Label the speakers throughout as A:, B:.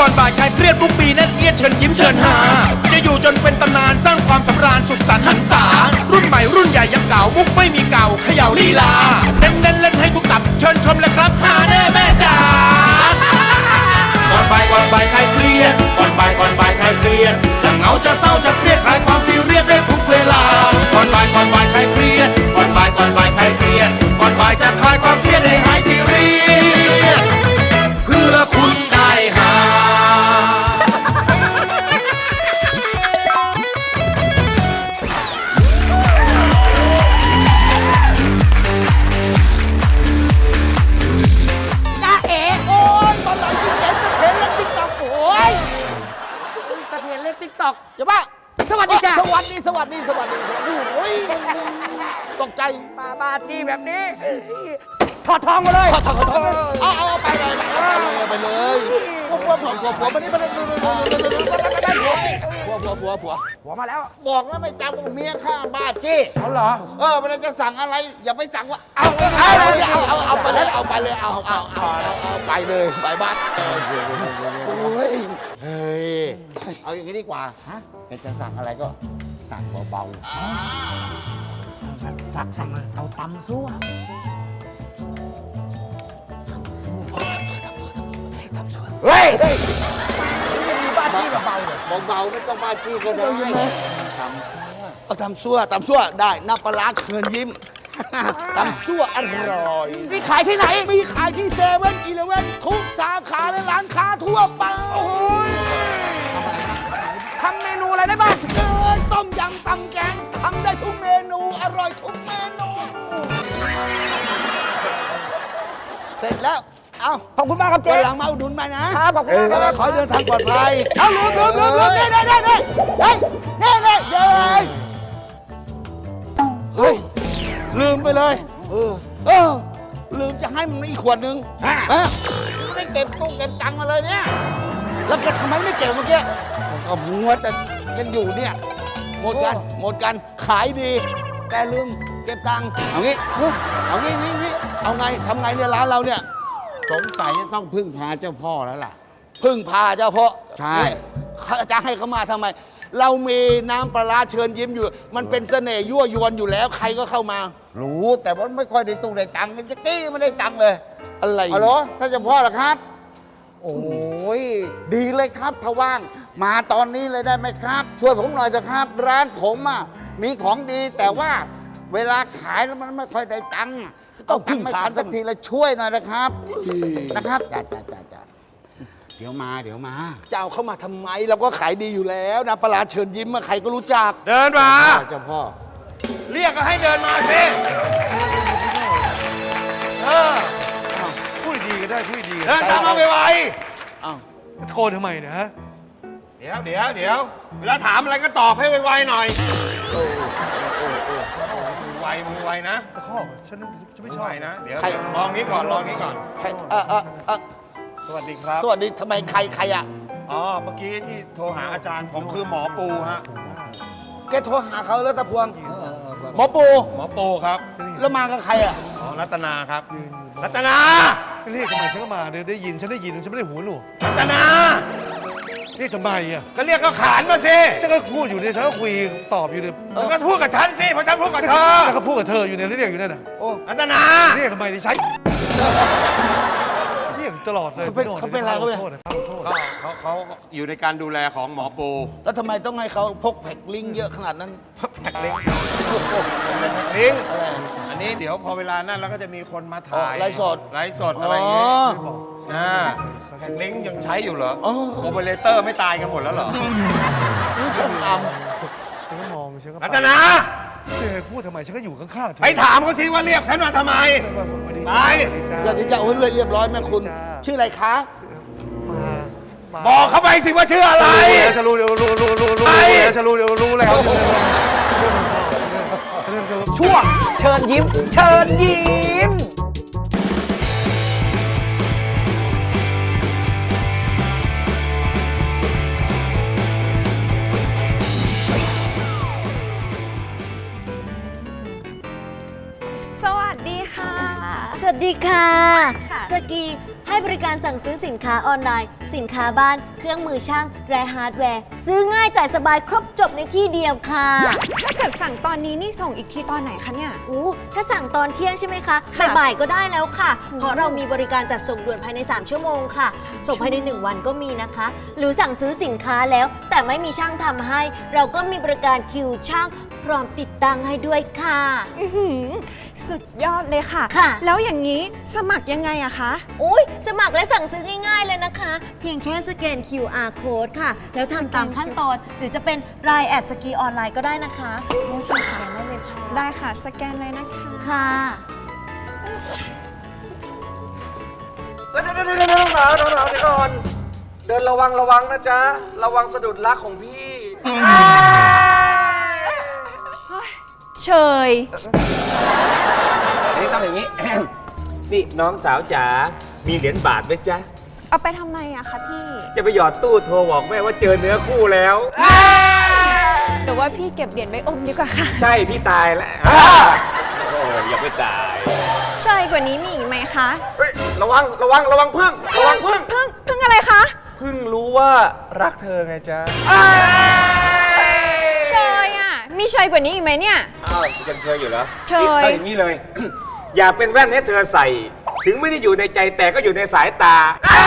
A: ก่อนบ่ายคลายเครียดทุกปีแน่นเอียดเชิญยิ้มเชิญหาจะอยู่จนเป็นตำนานสร้างความสำราญสุขสันต์หันษารุ่นใหม่รุ่นใหญ่ยังเก่ามุกไม่มีเก่าเขย่าลีลาเน้นเล่นให้ทุกตับเชิญชมเลยครับหาแน่แม่จ๋าก่อนบ่ายคลายเครียดก่อนบ่ายคลายเครียดจะเหงาจะเศร้าจะเครียดคลายความซีเรียสได้ทุกเวลาก่อนบ่ายคลายเครียดก่อนบ่ายคลายเครียดก่อนบ่ายจะคลายความเครียดให้หายซีเรียสเพื่อคุณได้หา
B: อย่าบ้าสวัสดีจ้ะ
C: สวัสดีโอ้ยตกใจ
B: บ้าจี้แบบนี้ถอดทองมาเลย
C: ถอดเอาไปเลยผัวมานี่มาผัวมาแล้วบอกแล้วไม่จำเมียข้าบ้าจี้
B: เขาเหรอ
C: เวลาจะสั่งอะไรอย่าไปสั่งว่าเอาไปเลยเอาไปเลยไปบ้านโอ้ยเฮ้ยเอาอย่างนี้ดีกว่าแกจะสั่งอะไรก็สั่งเบา
B: ๆสั่งเอาตำซั่ว
C: เฮ้ย
B: บ้าจี้เบา
C: ไม่ต้องบ้าจี้ก็ได้เอาตำซั่วได้น้ำปลาเขื่อนยิ้มตำซั่วอร่อย
B: มีขายที่ไหน
C: มีขายที่7-11ทุกสาขาและร้านค้าทั่วไป
B: ทำเมนูอะไรได้บ้าง
C: ต้มยำตำแกงทำได้ทุกเมนูอร่อยทุกเมนูเสร็จแล้วเอา
B: ขอบคุณมากครับเจ๊
C: หลังมาอุดหนุนมานะครับ
B: ขอบคุณมากครับ
C: ขอเดินทางปลอดภัยเอาลืมนี่เฮ้ยลืมไปเลยลืมจะให้มันอีกขวดนึงไม่เก็บตู้เก็บตังค์มาเลยเนี่ยแล้วแกทำไมไม่เก็บเมื่อกี้ก็มัวแต่กันอยู่เนี่ยหมดกันขายดีแต่ลืมเก็บตังค์เอางี้เอาไงทำไงเนี่ยร้านเราเนี่ยสงสัยจะต้องพึ่งพาเจ้าพ่อแล้วล่ะพึ่งพาเจ้าพ่อใช่จะให้เขามาทำไมเรามีน้ำปลาเชิญยิ้มอยู่มันเป็นเสน่ห์ยั่วยวนอยู่แล้วใครก็เข้ามารู้แต่ว่าไม่ค่อยได้ตู้ได้ตังค์จะกี้ไม่ได้ตังค์เลยอะไรอ๋อเหรอท่านเจ้าพ่อเหรอครับโอ้ยดีเลยครับถ้าว่างมาตอนนี้เลยได้ไหมครับช่วยผมหน่อยเถอะครับร้านผมมีของดีแต่ว่าเวลาขายแล้วมันไม่ค่อยได้ตังค์ต้องพึ่งพาสักทีละช่วยหน่อยนะครับจ้าเดี๋ยวมาจะเอาเข้ามาทำไมเราก็ขายดีอยู่แล้วนะปลาเชิญยิ้มใครก็รู้จัก
A: เดินมา
C: เจ้าพ่อ
A: เรียกก็ให้เดินมาสิ
D: พูดดีก็ได้พูดดี
A: เดินตามมาไว
D: ๆโทรทำไมเนี่ยฮะ
A: เดี๋ยวเวลาถามอะไรก็ตอบให้ไวๆหน่อยมือไวนะ
D: ตะคอกฉันไม่ชอบ
A: นะเดี๋ยวลองนี้ก่อนสวัสดีครับ
C: สวัสดีทำไมใครอ่ะ
A: เมื่อกี้ที่โทรหาอาจารย์ผมคือหมอปูฮะ
C: แกโทรหาเขาแล้วตะพวงหมอปู
A: ครับ
C: แล้วมากับใครอ่ะ
A: รัตนาครับรัตนา
D: เรียกทำไมฉันก็มาได้ยินฉันไม่ได้หูหนู
A: รัตนา
D: เรียกทำไมอ่ะ
A: ก็เรียกเขาขานมาสิ
D: ฉันก็พูดอยู่เนี่ยฉันก็คุยตอบอยู่เนี่ย
A: ก็พูดกับฉันสิเพราะฉันพูดกับเธอ
D: ฉันก็พูดกับเธออยู่เนี่ยเรียกอยู่นั่นน่ะ
A: รัตนา
D: เรียกทำไมดิฉันเรียกตลอดเลย
C: เขาเป็นอะไร
A: เขาอยู่ในการดูแลของหมอปู
C: แล้วทำไมต้องให้เขาพกแพ็คลิงเยอะขนาดนั้น
A: แพ็คลิงอะไรอันนี้เดี๋ยวพอเวลานั้นเราก็จะมีคนมาถ่าย
C: ไลฟ์
A: สดอะไรอย่างเงี้ยแพ็คลิงยังใช้อยู่เหรอโอเปอเรเตอร์ไม่ตายกันหมดแล้วเหรอ
C: ช่างอัม
D: ฉันก็มองฉันก็
A: รัตนา
D: พูดทำไมฉันก็อยู่ข้างๆเธอ
A: ไปถามเขาสิว่าเรียกฉันมาทำไม
C: ไปสวัสดีจ้าโอ้ยเรียบร้อยแม่คุณชื่ออะไรคะ
A: บอกเขาไปสิว่าชื่ออะไร
D: จะรู้จะรู้แล้ว
B: ช่วงเชิญยิ้ม
E: สวัสดีค่ะสกีฮให้บริการสั่งซื้อสินค้าออนไลน์ สินค้าบ้าน เครื่องมือช่างและฮาร์ดแวร์ ซื้อง่ายจ่ายสบายครบจบในที่เดียวค่ะ
F: ถ้าเกิดสั่งตอนนี้นี่ส่งอีกทีตอนไหนคะเนี่ย
E: ถ้าสั่งตอนเที่ยงใช่ไหมคะ
F: ค่ะ
E: บ่ายๆก็ได้แล้วค่ะ เพราะเรามีบริการจัดส่งด่วนภายใน 3 ชั่วโมงค่ะ ส่งภายใน 1 วันก็มีนะคะ หรือสั่งซื้อสินค้าแล้ว แต่ไม่มีช่างทำให้ เราก็มีบริการคิวช่างพร้อมติดตั้งให้ด้วยค่ะ
F: อื้อหือสุดยอดเลยค่ะ
E: ค่ะ
F: แล้วอย่างนี้สมัครยังไงอะคะ
E: สมัครและสั่งซื้อง่ายๆเลยนะคะ เพียงแค่สแกน QR code ค่ะ แล้วทำตามขั้นตอน หรือจะเป็นรายแอดสกีออนไลน์ก็ได้นะคะโอเคสแกนได้เลยค่ะ
F: ได้ค่ะ สแกนเลยนะคะ
E: ค่ะ
B: เดี๋ยวน้องหนาวเดี๋ยวก่อน เดินระวังนะจ๊ะ ระวังสะดุดรักของพี่
F: เชย
G: นี่ต้องอย่างนี้ นี่น้องสาวจ๋า มีเหรียญบาทไหมจ๊ะ
F: เอาไปทำไมอะคะพี่
G: จะไปหยอดตู้โทรบอกแม่ว่าเจอเนื้อคู่แล้ว
F: หรือว่าพี่เก็บเหรียญไว้อมดีกว่าค่ะ
G: ใช่พี่ตายแล้วโอ้ยอย่าไปตาย
F: เชยกว่านี้มีอีกไหมคะ
B: เฮ้ย ระวังพึ่ง
F: พึ่งอะไรคะ
B: พึ่งรู้ว่ารักเธอไงจ๊ะ
F: เชยอะมีเชยกว่านี้อีกไหมเนี่ย
G: อ้าวยังเคยอยู่เหรอ
F: เคย
G: นี่เอาอย่างนี้เลย อยากเป็นแว่นให้เธอใส่ ถึงไม่ได้อยู่ในใจแต่ก็อยู่ในสายตา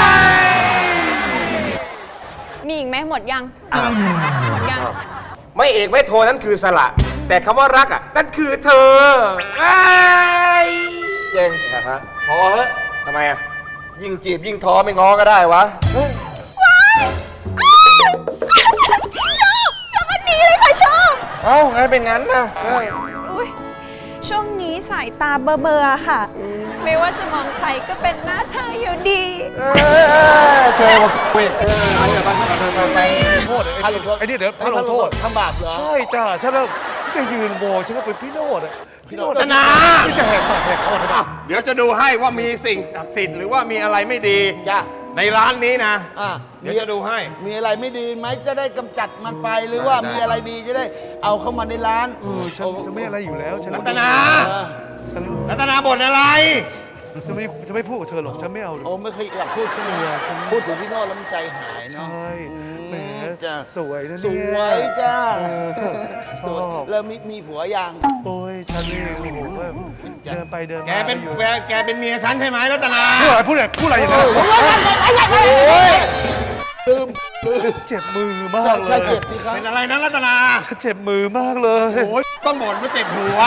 F: มีอีกไหมหมดยัง หมดยัง
G: ไม่เอกไม่โทนั้นคือสละ แต่คำว่ารักอ่ะ นั่นคือเธอเอ้ย
B: เจงพอเถอะ
G: ทำไมอ่ะ
B: ยิ่งจีบยิ่งท้อไม่ง้อก็ได้วะ
F: ชอบอันนี้เลยค่ะชอบ
B: เอ้าไงเป็นงั้นนะ
F: อุ๊ยช่วงนี้สายตาเบลอๆค่ะ ไม่ว่าจะมองใครก็เป็นหน้าเธออยู่ดี
B: เชิญมาคุย
D: โทษไอ้นี่เดี๋ยวท่านลงโทษ
C: ทำบาปเหรอ
D: ใช่จ้าฉันแล้วไปยืนโบฉันก็เป็นพี่โนดอ่ะพี่โนด
A: ธนา
D: ที่จะแหกปากแหกคอทำไม
A: เดี๋ยวจะดูให้ว่ามีสิ่งศักดิ์สิทธิ์หรือว่ามีอะไรไม่ดี
C: จ้ะ
A: ในร้านนี้นะ
C: อ่ะ
A: เดี๋ยวจะดูให้
C: มีอะไรไม่ดีไหมจะได้กำจัดมันไปหรือว่ามีอะไรดีจะได้เอาเข้ามาในร้าน
D: ฉันไม่อะไรอยู่แล้วฉัน
A: รัตนา
C: เออ
D: ฉัน
A: รัตนาบ่นอะไร
D: จะไม่พูดกับเธอหรอกฉันไม่เอาเลย
C: โอ้ไม่เคยอยากพูดขึ้นมาพูดถึงพี่โน่แล้วมันใจหายเนาะ
D: ใช่แหม
C: จ้ะ
D: สวยนะเนี่ย
C: สวยจ้า
D: เออ
C: สวย
D: ชอบ
C: เริ่มมีผัวยัง
D: โอ้ยฉันนี่โอ้โหว่าเดินไปเดินมา
A: แกเป็น
D: อยู่
A: แกเป็นเมียฉันใช่ไหมรัตนา
D: พูดอะไรอย่างนั้น
C: ลืม
D: เจ็บมือมาก
C: ใช่
D: เลย
C: เจ็บสิครับ
A: เป็นอะไรนะรัตนา
D: เจ็บมือมากเลย
A: โอ้ยต้องบ่นว่าเจ็บหัว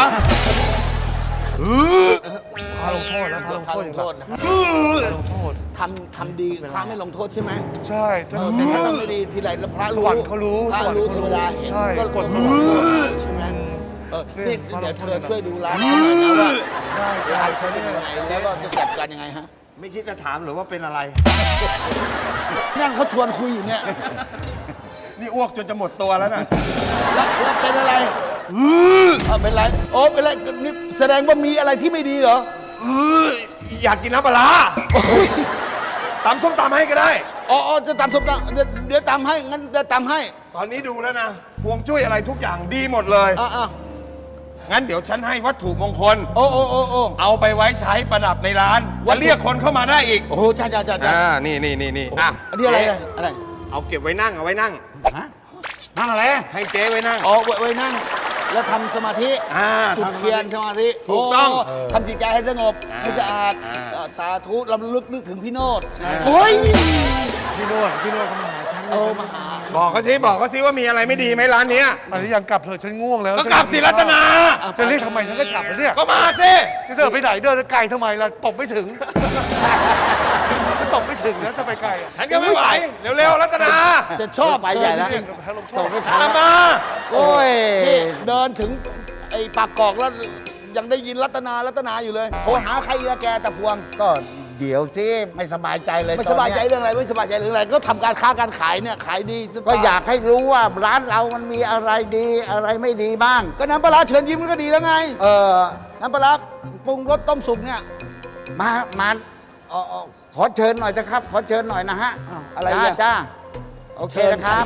D: พาลงโทษแล้วพาลง
C: พา
D: โทษ
C: ล
D: อง ย่าง
C: โท
D: นั้น
C: ษนะครับ
D: พาลงโทษ
C: ทำดีพระไม่ลงโทษใช่ไหม
D: ใช่ถ้า
C: แต่ถ้าทำไม่ดีทีไรแล้วพระ
D: ส
C: รู้
D: วรรค์เขารู้
C: พระ
D: สวรรค์
C: รู้
D: เขา
C: เทวดาเห็น
D: ใช่
C: ก็
D: กดสวรรค์
C: ใช่ไหมนี่
D: เนี่ย
C: เดี๋ยวเธอ
D: พระ
C: ช่วยดูร้านหน่อยนะว่า
D: ได้ใช่
C: ร้าน
D: ใช่
C: เขาเป็นยังไงแล้วก็จะจัดการยังไงฮะ
A: ไม่คิดจะถามหรือว่าเป็นอะไร
C: นั่งเขาชวนคุยอยู่เนี่ย
A: นี่อ้วกจนจะหมดตัวแล้วนะ
C: แล้วเป็นอะไรเป็นไรโอ้เป็นไรนี่แสดงว่ามีอะไรที่ไม่ดีเหรอ
A: อยากกินน้ำปลาร้าตำส้มตำให้ก็ได้
C: อ๋อจะตำส้มตำเดี๋ยวตำให้งั้นจะตำให้
A: ตอนนี้ดูแล้วนะพวงจุ้ยอะไรทุกอย่างดีหมดเลย
C: อ่ะ
A: งั้นเดี๋ยวฉันให้วัตถุมงคล
C: โอ้
A: เอาไปไว้ใช้ประดับในร้านจะเรียกคนเข้ามาได้อีก
C: โอ้โหจ้า
A: นี่อ่ะ
C: อันนี้อะไรอะไร
A: เอาเก็บไว้นั่งเอาไว้นั่ง
C: ฮะนั่งอะไร
A: ให้เจ๊ไว้นั่ง
C: อ๋อไว้นั่ง แล้วทำสมาธิ จุดเทียนสมาธิ
A: ถูกต้อง
C: ทำจิตใจให้สงบให้สะอาดสาธุลำลึกนึกถึงพี่โนด
A: อ่า
C: โอ้ย
D: พี่โนดเขามาหาฉัน
C: มาหา
A: บอกเขาสิว่ามีอะไรไม่ดีไหมร้านเนี้ย
D: อันนี้ยังกลับเถอะฉันง่วงแล้ว
A: ก็กลับสิรัตนา
D: จะเรียกทำไมฉันก็กลับแล้วเนี่ย
A: ก็มาสิ
D: จะเดินไปไหนเดินไกลทำไมล่ะตบไม่ถึงมันตบไม่ถึงนะจะไปไกลอ่ะ
A: ฉันก็ไม่ไหวเร็วๆรัตนา
C: จะชอบไปใหญ่แล้ว
D: ให้ลงโท
C: ต
D: ษ
C: กไม่
A: ตามมา
C: โอ้ยนี่เดินถึงไอ้ปากกอกแล้วยังได้ยินรัตนาอยู่เลยโทรหาใครละแกแต่พวง
H: ก็เดี๋ยวสิไม่สบายใจเลย
C: ไม่
H: ต
C: ส
H: อน
C: บาย
H: เนี้
C: ใจเรื่องอะไรไม่สบายใจเรื่องอะไรก็ทำการค้าการขายเนี่ยขายดีจะ
H: ก็อยากให้รู้ว่าร้านเรามันมีอะไรดีอะไรไม่ดีบ้าง
C: ก็น้ำปลาร้าเชิญยิ้มก็ดีแล้วไง
H: เออ
C: น้ำปลาร้าปรุงรสต้มสุกเนี่ย
H: มาขอเชิญหน่อยนะครับ ขอเชิญหน่อยนะฮะ
C: อ้าวอะไร
H: จ้า
C: อ่ะ
H: จ้าโอเคนะครับ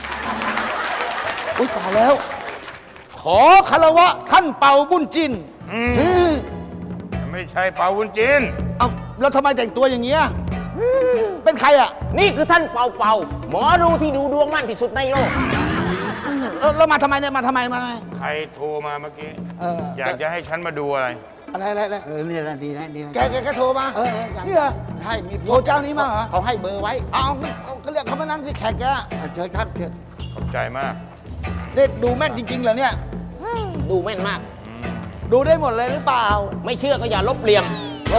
C: อุ้ยตายแล้ว ขอคารวะท่านเป่าบุญจิน
D: ไม่ใช่เปาวุ้นจิน
C: เอาแล้วทำไมแต่งตัวอย่างเงี้ยเป็นใครอ่ะ
I: นี่คือท่านเป่าเป่าหมอดูที่ดูดวงมั่นที่สุดในโลก
C: แล้วมาทำไมเนี่ยมาทำไมมาทำไม
D: ใครโทรมาเมื่อกี้
C: อ
D: อยากจะให้ฉันมาดูอะไร
C: อะไร
H: เนี่ยนะดีนะดีนะ
C: แกโทรมา
H: อย่าง
C: เนี่ย
H: ใช่มี
C: โทรเจ้านี้มาเหรอ
H: เขาให้เบอร์ไว้
C: เอาก็เรียกเขามานั่งที่แขกแก
H: เชิญครับเชิญ
D: ขอบใจมาก
C: เนี่ยดูแม่นจริงๆเหรอเนี่ย
I: ดูแม่นมาก
C: ดูได้หมดเลยหรือเปล่า
I: ไม่เชื่อก็อย่าลบเลียม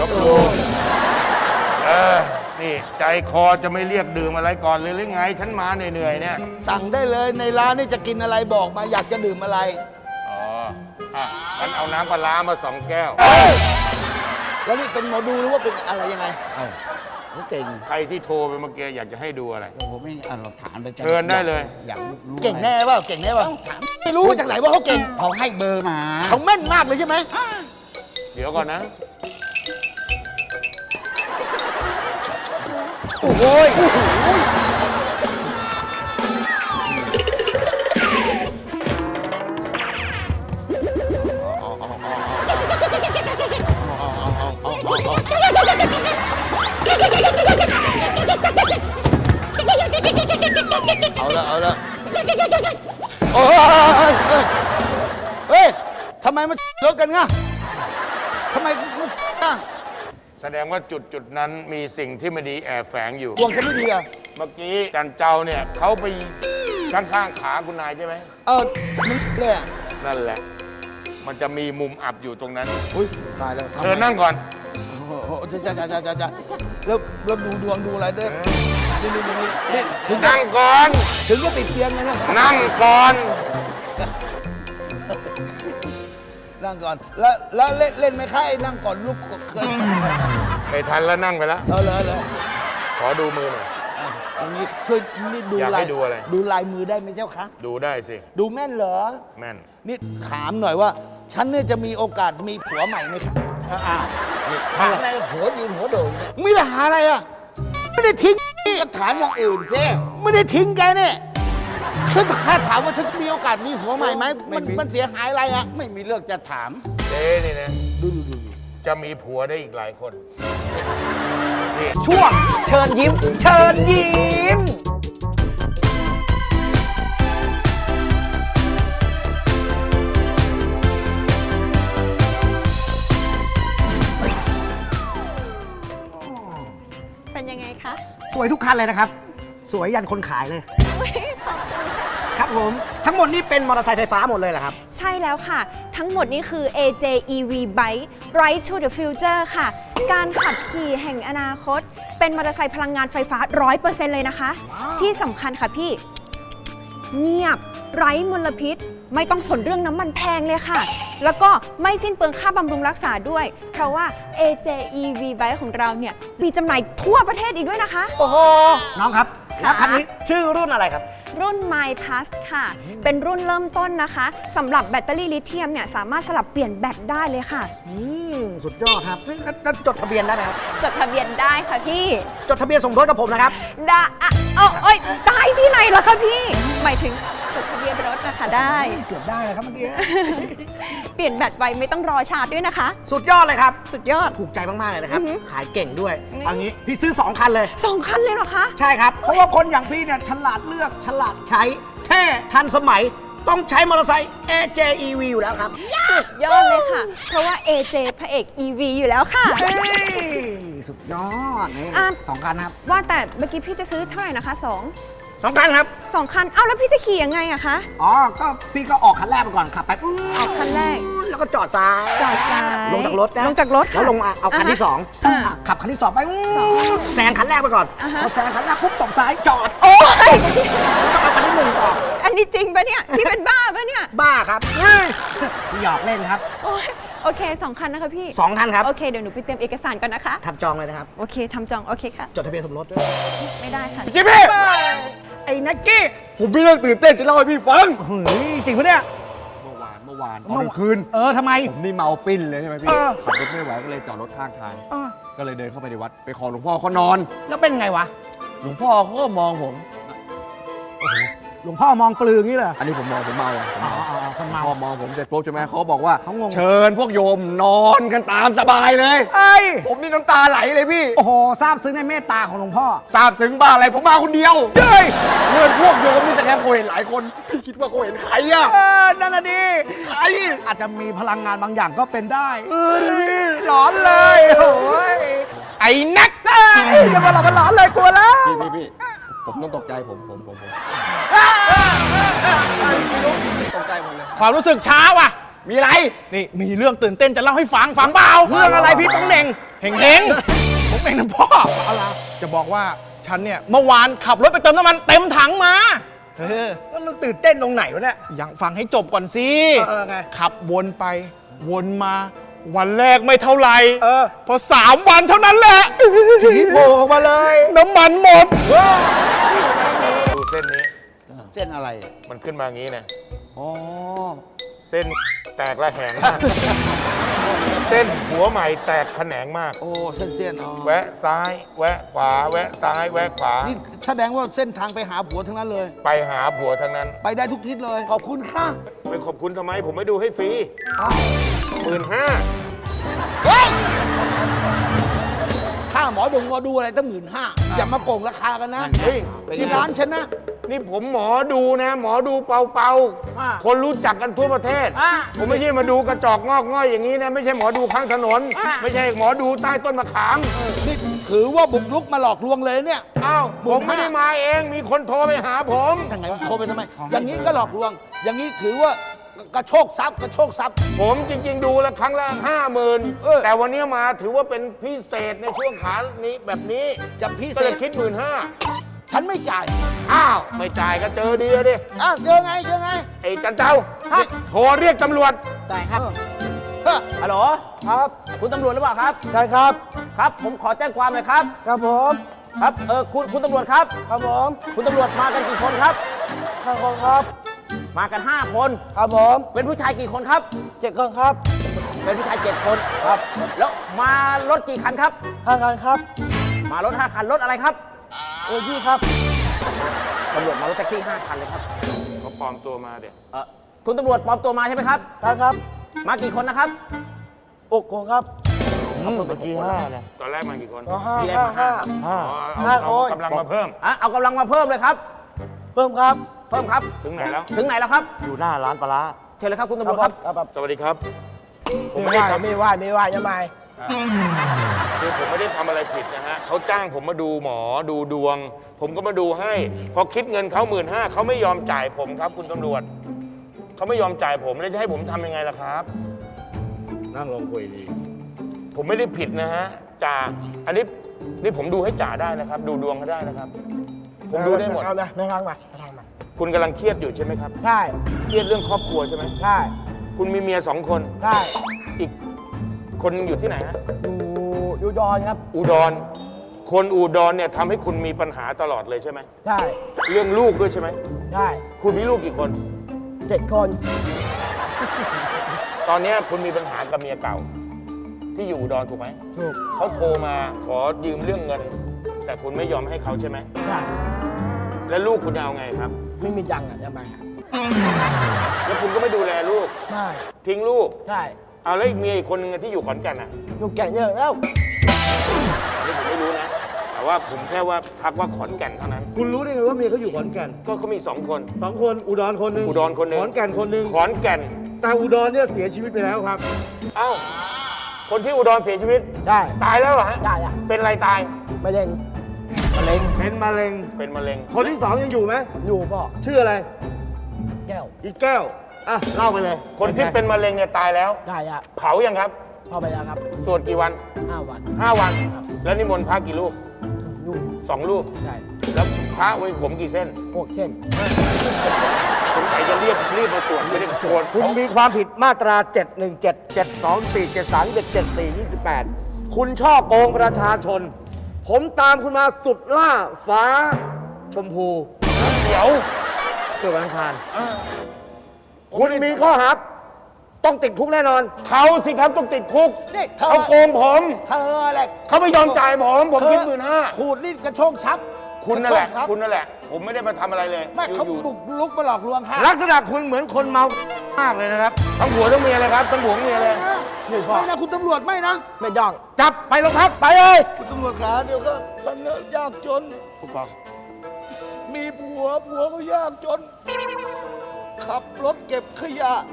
D: นี่ใจคอจะไม่เรียกดื่มอะไรก่อนเลยหรือไง ฉันมาเหนื่อยๆเนี่ย
C: สั่งได้เลยในร้านนี่จะกินอะไรบอกมาอยากจะดื่มอะไร
D: อ๋ออ่ะฉันเอาน้ำปลาร้ามา2 แก้ว
C: แล้วนี่เป็นหมอดูหรือว่าเป็นอะไรยังไง
H: เอ้าเขาเก่ง
D: ใครที่โทรไปเมื่อกี้อยากจะให้ดูอะไร
H: ผมไม่เราถามไป
D: เชิญได้เลย
H: อยากรู้
C: เก่งแน่เปล่าเก่งแน่เปล่าไม่รู้มาจากไหนว่าเขาเก่ง
H: เขาให้เบอร์มา
C: เขาแม่นมากเลยใช่ไหม
D: เดี๋ยวก่อนนะ
C: โอ้ยเอาละโอ้ยเฮ้ยทำไมมันรถกันง่ะทำไมมันอ่ะ
D: แสดงว่าจุดนั้นมีสิ่งที่ไม่ดีแอบแฝงอยู่
C: ดวงฉันไม่ดีอ่ะ
D: เมื่อกี้จันเจ้าเนี่ยเขาไปข้างๆขาคุณนายใช่ไหม
C: มันเลยอ่ะ
D: นั่นแหละ มันจะมีมุมอับอยู่ตรงนั้น
C: อุ้ยตายแล้วทำไม
D: เชิญนั่งก่อน
C: โอ้โหจ้าแล้วดูดวงดูอะไรด้วยนี่ถึงจะ
D: นั่งก่อน
C: ถึงจะติดเตียงเลยนะ
D: นั่งก่อน
C: นั่งก่อน แล้วเล่นไหมคะไอ้นั่งก่อนลุกเกิน
D: ไม่ทันแล้วนั่งไปแล้ว
C: เลย
D: ขอดูมือหน่อย
C: อย่างนี้ช่วยนี่ดู
D: อยากให้
C: ลาย
D: ดูอะไร
C: ดูลายมือได้ไหมเจ้าคะ
D: ดูได้สิ
C: ดูแม่นเหรอ
D: แม่น
C: นี่ถามหน่อยว่า ฉันเนี่ยจะมีโอกาสมีผัวใหม่ไหมคะ
H: อ้าวนี่ถามอะไรหัวยืนหัวโดดเนี่ย
C: มีปัญหาอะไรอ่ะไม่ได้ทิ้ง
H: ก็ถามอย่างอื่นเจ้
C: ไม่ได้ทิ้งแกเนี่ยคือถ้าถามว่าฉันมีโอกาสมีผัวใหม่ไหมมันเสียหายอะไรอ่ะ
H: ไม่มีเรื่องจะถาม
D: เจ๊นี่นะจะมีผัวได้อีกหลายคนนี่
I: ช่วงเชิญยิ้ม เชิญยิ้ม
F: เป็นยังไงคะ
J: สวยทุกคันเลยนะครับ สวยยันคนขายเลย ครับผม ทั้งหมดนี่เป็นมอเตอร์ไซค์ไฟฟ้าหมดเลยเหรอครับ
F: ใช่แล้วค่ะ ทั้งหมดนี้คือ AJ EV Bike Right to the Future ค่ะ การขับขี่แห่งอนาคต เป็นมอเตอร์ไซค์พลังงานไฟฟ้า 100% เลยนะคะ ที่สำคัญค่ะพี่ เงียบ ไร้มลพิษ ไม่ต้องสนเรื่องน้ำมันแพงเลยค่ะ แล้วก็ไม่สิ้นเปลืองค่าบำรุงรักษาด้วย เพราะว่า AJ EV Bike ของเราเนี่ย มีจำหน่ายทั่วประเทศอีกด้วยนะคะ
J: โอ้โห น้องครับ แล้วคันนี้ชื่อรุ่นอะไรครับ
F: รุ่น My Plus ค่ะ เป็นรุ่นเริ่มต้นนะคะสำหรับแบตเตอรี่ลิเธียมเนี่ยสามารถสลับเปลี่ยนแบตได้เลยค่ะ
J: สุดยอดครับแล้วจดทะเบียนได้ไหมครับ
F: จดทะเบียนได้ค่ะพี่
J: จดทะเบียนสมรสกับผมนะครับ
F: ได้เอ้ยได้ที่ไหนล่ะคะพี่ หมายถึงจดทะเบียนรถนะคะได้
J: เกือบได้เลยครับเมื่อกี้
F: เปลี่ยนแบตไวไม่ต้องรอชาร์จด้วยนะคะ
J: สุดยอดเลยครับ
F: สุดยอด
J: ถูกใจมาก ๆ เลยนะครับ
F: อือหือ
J: ขายเก่งด้วย
F: นี่
J: เอางี้พี่ซื้อ 2 คันเลย
F: 2 คันเลยเหรอคะ
J: ใช่ครับ เพราะว่าคนอย่างพี่เนี่ยฉลาดเลือกฉลาดใช้เท่ทันสมัย ต้องใช้มอเตอร์ไซค์ AJ EV อยู่แล้วครับ
F: สุดยอดเลยค่ะ เพราะว่า AJ พระเอก EV อยู่แล้วค่ะ
J: เฮ้ยสุดยอดนี่
F: อ่ะ
J: 2 คันครับ
F: ว่าแต่เมื่อกี้พี่จะซื้อเท่าไหร่นะคะ
J: 2 คันครับ
F: 2 คัน เอ้าแล้วพี่จะขี่ยังไงอะคะ
J: อ๋อ ก็พี่ก็ออกคันแรกไปก่อนขับไป
F: ออกคันแรก
J: แล้วก็จอดซ้าย
F: จอดซ้าย
J: ลงจากรถนะ
F: ลงจากรถค่ะ
J: แล้วลงมาเอาคันที่
F: อ่าฮะ
J: 2ขับคันที่ 2 ไปแซงคันแรกไปก่อน
F: อ่าฮะ
J: พอแซงคันแรกปุ๊บตบซ้ายจอด
F: โอ้ย
J: แล้วก็เอาคันที่ 1 ต่อ
F: อันนี้จริงปะเนี่ย พี่เป็นบ้าปะเนี่ย
J: บ้าครับพี่หยอกเล่นครับ
F: โอ้ยโอเค 2 คันนะคะพี่
J: 2 คันครับ
F: โอเค เดี๋ยวหนูไปเตรียมเอกสารก่อนนะคะ
J: ทำจองเลยนะครับ
F: โอเคทำจอง โอเคค่ะ
J: จดทะเบียนสมรสด้วย
F: ไม่ได้ค่ะ
C: จิ๊บพี่
J: ไอ้นักกี้
C: ผมมีเรื่องตื่นเต้นจะเล่าให้พี่ฟัง
J: เฮ้ยจริงปะเนี่ย
K: เมื่อวานตอนกลางคืน
J: ทำไม
K: ผมนี่เมาปิ้นเลยใช่ไหมพี่
J: เออ
K: ขับรถไม่ไหวก็เลยจอดรถข้างทาง
J: เออ
K: ก็เลยเดินเข้าไปในวัด ไปขอหลวงพ่อเขานอน
J: แล้วเป็นไงวะ
K: หลวงพ่อเขาก็มองผม โอ้โห
J: หลวงพ่อมองปลืออย่างนี้เหรอ
K: อันนี้ผมมองผมเมา
J: อ๋อคนเมา
K: พอมองผมเสร็จปุ๊บใช่ไหมเขาบอกว่า
J: เขางง
K: เชิญพวกโยมนอนกันตามสบายเลย
J: เอ้ย
K: ผมนี่น้ำตาไหลเลยพี่
J: โอ้โหซาบซึ้งในเมตตาของหลวงพ่อ
K: ทราบถึงบ้าอะไรผมมาคนเดียว
J: เฮ้ย
K: เชิญพวกโยมนี่แต่แค่เขาเห็นหลายคนพี่คิดว่าเขาเห็นใครอะ
J: นั่นน่ะดิ
K: ใคร
J: อาจจะมีพลังงานบางอย่างก็เป็นได้
K: ดิพี่
J: หลอนเลยโอ้ย
A: ไอ้นัก
J: อย่ามาหลอกมันหลอนเลยกลัวแล้ว
K: พี่ผมต้องตกใจผมตกใจหมดเลย
A: ความรู้สึกช้าว่ะ
K: มีอะไร
A: นี่มีเรื่องตื่นเต้นจะเล่าให้ฟังเปล่า
J: เรื่องอะไรพี่ป๋องเหน่ง
A: เฮงๆผมเองนะพ่ออะไรจะบอกว่าฉันเนี่ยเมื่อวานขับรถไปเติมน้ำมันเต็มถังมาเออ
J: แล้วมันตื่นเต้นตรงไหนวะเนี่ย
A: ยังฟังให้จบก่อนสิ
J: ไง
A: ขับวนไปวนมา วันแรกไม่เท่าไหร่ พอ3 วันเท่านั้นแหละ
J: ผีโผล่ออกมาเลย
A: น้ำมันหมด
G: ดูเส้นนี้
C: เส้นอะไร
G: มันขึ้นมาอย่างนี้นะ
C: อ๋อ
G: เส้นแตกระแหงมาก เส้นหัวใหม่แตกแขนงมาก
C: โอ้เส้นอ๋อ
G: แวะซ้าย แวะขวา แวะซ้าย แวะขวา
C: นี่แสดงว่าเส้นทางไปหาผัวทั้งนั้นเลย
G: ไปหาผัวทั้งนั้น
C: ไปได้ทุกทิศเลย ขอบคุณค่ะ
G: ไปขอบคุณทำไม ผมไม่ดูให้ฟรี
C: อ้าว
G: 15,000
C: เฮ้ยค่าหมอดูอะไรตั้ง15,000อย่ามาโกงราคากันนะ
G: เฮ้ย
C: ที่ร้านฉันนะ
G: นี่ผมหมอดูนะ หมอดูเป่าคนรู้จักกันทั่วประเทศ ผมไม่ใช่มาดูกระจอกงอกง่อยอย่างนี้นะ ไม่ใช่หมอดูข้างถนน ไม่ใช่หมอดูใต้ต้นมะขาม
C: นี่ถือว่าบุกลุกมาหลอกลวงเลยเนี่ย
G: อ้าวผมไม่ได้มาเอง มีคนโทรไปหาผม
C: ทางไหนโทรไปทำไม อย่างนี้ก็หลอกลวง อย่างนี้ถือว่ากระโชกทรัพย์กระโชกทรัพย์
G: ผมจริงๆดูแล้วครั้งละ
C: เออ
G: 50,000 แต่วันนี้มาถือว่าเป็นพิเศษในช่วงขานี้แบบนี้
C: จะพิ
G: ก็
C: เศ
G: เล
C: ษ
G: ยคิด15,000
C: ฉันไม่จ่าย
G: อ้าว ไม่จ่ายก็เจอดีอะดิ
C: อ้าวเจอไง
G: ไอ้จันเจ้าโทรเรียกตำรวจ
I: ได้ครับ
C: เฮ้อ
I: ฮัลโหล ครับ คุณตำรวจหรือเปล่าครับ
J: ได้ครับ
I: ครับ ผมขอแจ้งความหน่อยครับ
J: ครับผม
I: ครับ คุณตำรวจครับ
J: ครับผม
I: คุณตำรวจมากันกี่คนครับ
J: 5 คนครับ
I: มากัน 5 คน
J: ครับผม
I: เป็นผู้ชายกี่คนครับ
J: 7 คนครับ
I: เป็นผู้ชาย 7 คนครับ แล้วมารถกี่คันครับ
J: 5 คันครับ
I: มารถ 5 คัน รถอะไรครับ
J: ยี่ครับ
I: ตำรวจมารถแท็กซี่ 5 คันเลยครับ
G: เขาปลอมตัวมาเดี๋ยว
I: คุณตำรวจปลอมตัวมาใช่ไหมครับ
J: ครับ
I: มากี่คนนะครับ
J: 6 คนครับ
G: เมื่อกี้5นะตอนแรกมากี่คน
I: ทีแรกมาห้าครับ
G: เอากำลังมาเพิ่ม
I: เอากำลังมาเพิ่มเลยครับ
J: เพิ่มครับ
I: เพิ่มครับ
G: ถึงไหนแล้ว
I: ถึงไหนแล้วครับ
K: อยู่หน้าร้านปลาร้า
I: เชิญเลยครับคุณตำรวจครับ
G: สวัสดีครับ ผม
J: ไม่
G: ไม่ได้
J: ว่า
G: ทำ
J: ไม่ว่าไม่ว่ายังไง
G: คือผมไม่ได้ทำอะไรผิดนะฮะเขาจ้างผมมาดูหมอดูดวง ผมก็มาดูให้ พอคิดเงินเขา15,000เขาไม่ยอมจ่ายผมครับ คุณตำรวจ เขาไม่ยอมจ่ายผมแล้วจะให้ผมทำยังไงล่ะครับ
K: นั่งลงคุยดี
G: ผมไม่ได้ผิดนะฮะจ่าอันนี้ผมดูให้จ่าได้นะครับ ดูดวงเขาได้นะครับ ผมดูได้หมด
J: เอานะไม่ฟังมาทางมา
G: คุณกำลังเครียดอยู่ใช่ไหมครับ
J: ใช่
G: เครียดเรื่องครอบครัวใช่ไหม
J: ใช่
G: คุณมีเมีย2 คน
J: ใช่
G: อีกคนหนึงอยู่ที่ไหนฮะ
J: อยู่ดอนครับ
G: อุดร คนอุดรเนี่ยทำให้คุณมีปัญหาตลอดเลยใช่ไหม
J: ใช่
G: เรื่องลูกด้วยใช่ไหม
J: ใช่
G: คุณมีลูกกี่คน
J: 7 คน
G: ตอนเนี้ยคุณมีปัญหากับเมียเก่า ที่อยู่อุดรถูกไหม
J: ถูก
G: เขาโทรมาขอยืมเรื่องเงิน แต่คุณไม่ยอมให้เขาใช่ไหม
J: ใช่
G: แล้วลูกคุณจะเอาไงครับ
J: ไม่มีจังอ่ะยังไง
G: แล้วคุณก็ไม่ดูแลลูก
J: ใช่
G: ทิ้งลูก
J: ใช่
G: เอาแล้วอีกเมียอีกคนนึงที่อยู่ขอนแก่นน่ะ
J: ลูกแก่เยอะแล้ว
G: อันนี้ผมไม่รู้นะ แต่ว่าผมแค่ว่าทักว่าขอนแก่นเท่านั้น
D: คุณรู้ได้ไงว่าเมียเขาอยู่ขอนแก่น
G: ก็เขามี2 คน
D: 2 คนอุดรคนหนึ่ง
G: อุดรคนหนึ่ง
D: ขอนแก่นคนหนึ่ง
G: ขอนแก่น
D: แต่อุดรเนี่ยเสียชีวิตไปแล้วครับ
G: เอ้า คนที่อุดรเสียชีวิต
J: ใช่
G: ตายแล้วเหรอฮะ
J: ได้อ่ะ
G: เป็นอะไรตาย
J: ไม่เล่น
D: เป็นมะเร็ง
G: เป็นมะเร็ง
D: คนที่ 2 ยังอยู่ไหม
J: อยู่พ่อ
D: ชื่ออะไร
J: แก้ว
D: อีกแก้ว อ่ะ เล่าไปเลย
G: คนที่เป็นมะเร็งเนี่ยตายแล้ว
J: ได้อ่ะ
G: เผายังครับ
J: พ่อไปแล้วครับ
G: สวดกี่วัน
J: 5 วัน
G: 5 วัน แล้วนิมนต์พระกี่รูป
J: อยู่
G: 2 รูป
J: ใช่
G: แล้วพระไว้ผมกี่เส้น
J: พวกเช่น
G: สงสัยจะรีบมาสวดไม่ได้สวด
J: คุณมีความผิดมาตรา 717 724 73 28 คุณช่อโกงประชาชน ผมตามคุณมาสุดล่าฟ้าชมพู
G: เดี๋ยว
J: เกิดวันอังคารคุณมีข้อหาต้องติดคุกแน่นอน
G: เขาสิครับต้องติดคุก
C: นี่เธอ
G: เขาโกงผม
C: เธออะไร
G: เขาไม่ยอมจ่ายผมคิด15,000
C: ขูดรีดกระโชกทรัพย์
G: คุณนั่นแหละ
C: กรโชกทรัพย์
G: คุณนั่นแหละผมไม่ได้มาทำอะไรเลย
C: ไม่เขา
G: อยู่
C: บุกลุกมาหลอกลวงค่ะ
J: ลักษณะคุณเหมือนคนเมามากเลยนะครับ
G: ทั้งหัวทั้งเมียเลยครับทั้งหัวทั้งเมียเลย
C: ไม่นะคุณตำรวจไม่นะ
J: ไม่ต้องจับไปโรงพักไปเลย
C: คุณตำรวจขาเดี๋ยวก็มันเนี่ยยากจน
G: ผู้กอง
C: มีผัวก็ยากจน ขับรถเก็บขยะ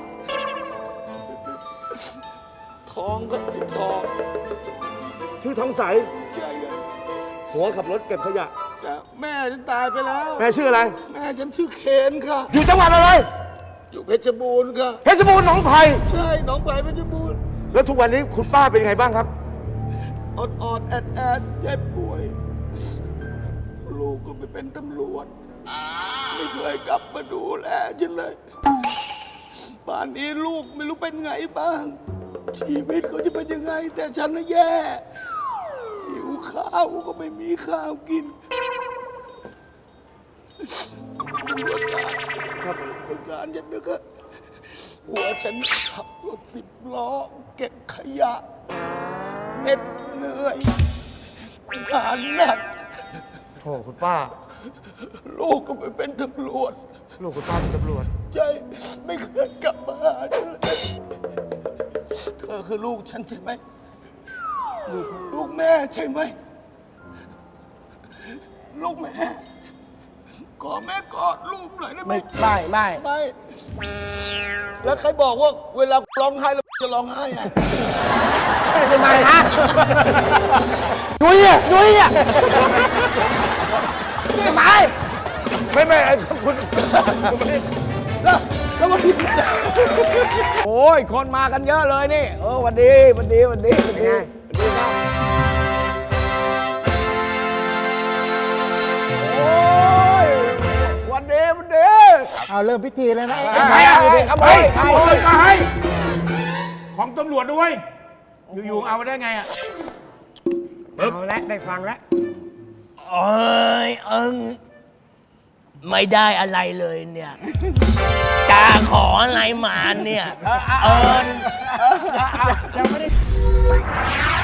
C: ทองก็ไม่ทอง
J: ชื่อทองใส
C: ใช่ไง
J: หัวขับรถเก็บขยะ
C: แต่แม่ฉันตายไปแล้ว
J: แม่ชื่ออะไร
C: แม่ฉันชื่อเคนค่ะ
J: อยู่จังหวัดอะไร
C: อยู่เพชรบูรณ์ค่ะ
J: เพชรบูรณ์หนองไผ่
C: ใช่หนองไผ่เพชรบูรณ์
J: แล้วทุกวันนี้คุณป้าเป็นยังไงบ้างครับ
C: อ่อนแอดเจ็บป่วย ลูกก็ไปเป็นตำรวจ ไม่เคยกลับมาดูแลฉันเลยป่านนี้ลูกไม่รู้เป็นไงบ้าง ชีวิตเขาจะเป็นยังไง แต่ฉันน่ะแย่หิวข้าวก็ไม่มีข้าวกินตำรวจการครับตำรวจการฉันนึกว่าหัวฉันขับรถ10 ล้อ เก็บขยะเหน็ดเหนื่อยงานหนัก
J: โอ้คุณป้า
C: ลูกก็ไปเป็นตำรวจ
J: ลูกคุณป้าเป็นตำรวจ
C: ใช่ไม่เคยกลับมาหาฉันเลยเธอคือลูกฉันใช่ไหม ลูกแม่ใช่ไหม ลูกแม่ขอแม่กอดลูกหน่อยได้ไหม
J: ไม่
C: ไม่ แล้วใครบอกว่าเวลาร้องไห้แล้วจะร้องไห้ไง
J: ทำไมฮะนุ้ยอ่ะทำไม
G: ไม่คุณ
C: แล้ววันนี้
J: โอ้ย คนมากันเยอะเลยนี่ วันดีครับโอ้ยวันดี
C: เอาเริ่มพิธีเลยนะ
G: ใครอ่ะขโมยใครของตำรวจด้วย อยู่ๆเอามาได้ไงอ่ะ
J: เอาละได้ฟังแล้ว
I: โอ้ยไม่ได้อะไรเลยเนี่ยจาขออะไรมาเนี่ย
J: ยังไม่ได้